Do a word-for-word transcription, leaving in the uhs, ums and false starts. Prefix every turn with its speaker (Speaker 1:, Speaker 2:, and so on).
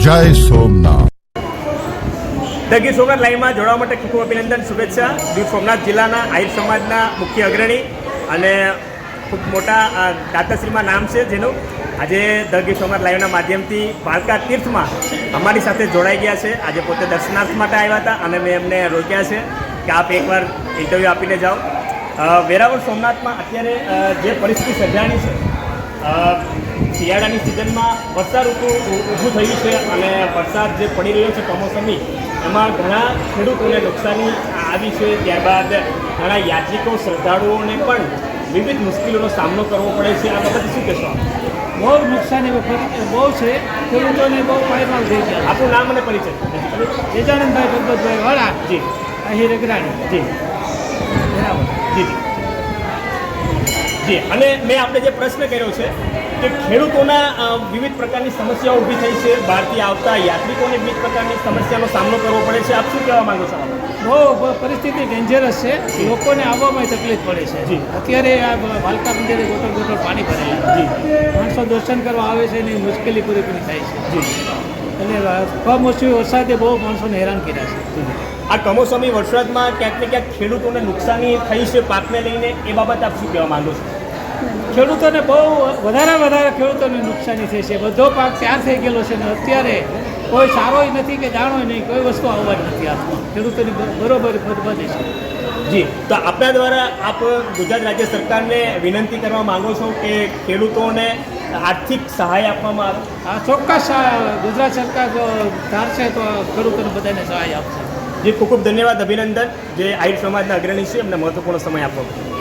Speaker 1: જય સોમનાથ.
Speaker 2: ધ ગીર સોમનાથ લાઈવમાં જોડાવા માટે ખૂબ ખૂબ અભિનંદન, શુભેચ્છા. ગીર સોમનાથ જિલ્લાના આહિર સમાજના મુખ્ય અગ્રણી અને ખૂબ મોટા દાતાશ્રીમાં નામ છે જેનું આજે ધ ગીર સોમનાથ લાઈવના માધ્યમથી દ્વારકા તીર્થમાં અમારી સાથે જોડાઈ ગયા છે. આજે પોતે દર્શનાર્થ માટે આવ્યા હતા અને મેં એમને રોક્યા છે કે આપ એકવાર ઇન્ટરવ્યૂ આપીને જાઓ. વેરાવળ સોમનાથમાં અત્યારે જે પરિસ્થિતિ સર્જાણી છે, શિયાળાની સિઝનમાં વર્ષા ઋતુ ઊભું થયું છે અને વરસાદ જે પડી રહ્યો છે કમોસમી, એમાં ઘણા ખેડૂતોને નુકસાની આવી છે. ત્યારબાદ ઘણા યાત્રિકો શ્રદ્ધાળુઓને પણ વિવિધ મુશ્કેલીઓનો સામનો કરવો પડે છે. આ બાબતે શું કહેશો?
Speaker 3: બહુ નુકસાની બહુ છે, ખેડૂતોને બહુ પાયમાલ થઈ ગયા.
Speaker 2: આપણું નામ અને પરિચય?
Speaker 3: તેજાનંદભાઈ ભગવતભાઈ વાળા,
Speaker 2: જી.
Speaker 3: અહીં રગરાણી,
Speaker 2: જી
Speaker 3: બરાબર.
Speaker 2: જી જી જી અને મેં આપણે જે પ્રશ્ન કર્યો છે કે ખેડૂતોના વિવિધ પ્રકારની સમસ્યાઓ ઊભી થઈ છે, બહારથી આવતા યાત્રિકોને વિવિધ પ્રકારની સમસ્યાનો સામનો કરવો પડે છે. આપ શું કહેવા માંગો છો?
Speaker 3: બહુ પરિસ્થિતિ ડેન્જરસ છે, લોકોને આવવામાં તકલીફ પડે છે.
Speaker 2: જી.
Speaker 3: અત્યારે આ ભાલકા મંદિરે ગોટલ ગોટલ પાણી ભરેલા.
Speaker 2: જી.
Speaker 3: માણસો દર્શન કરવા આવે છે એની મુશ્કેલી પૂરેપૂરી થાય છે.
Speaker 2: જી.
Speaker 3: અને કમોસમી વરસાદે બહુ માણસોને હેરાન કર્યા છે.
Speaker 2: આ કમોસમી વરસાદમાં ક્યાંક ને ક્યાંક ખેડૂતોને નુકસાની થઈ છે પાકને લઈને, એ બાબત આપ શું કહેવા માંગો છો?
Speaker 3: ખેડૂતોને બહુ વધારે વધારે ખેડૂતોને નુકસાની થઈ છે. બધો પાક તૈયાર થઈ ગયેલો છે ને અત્યારે કોઈ સારોય નથી કે જાણોય નહીં, કોઈ વસ્તુ આવવા જ નથી હાથમાં. ખેડૂતોની બરોબર બધે છે.
Speaker 2: જી, તો આપણા દ્વારા આપ ગુજરાત રાજ્ય સરકારને વિનંતી કરવા માંગો છો કે ખેડૂતોને આર્થિક સહાય આપવામાં આવે?
Speaker 3: આ ચોક્કસ ગુજરાત સરકાર જો ધારશે તો ખેડૂતોને બધાને સહાય આપશે.
Speaker 2: જી, ખૂબ ખૂબ ધન્યવાદ, અભિનંદન. જે આહિર સમાજના અગ્રણી છે એમને મહત્વપૂર્ણ સમય આપવો.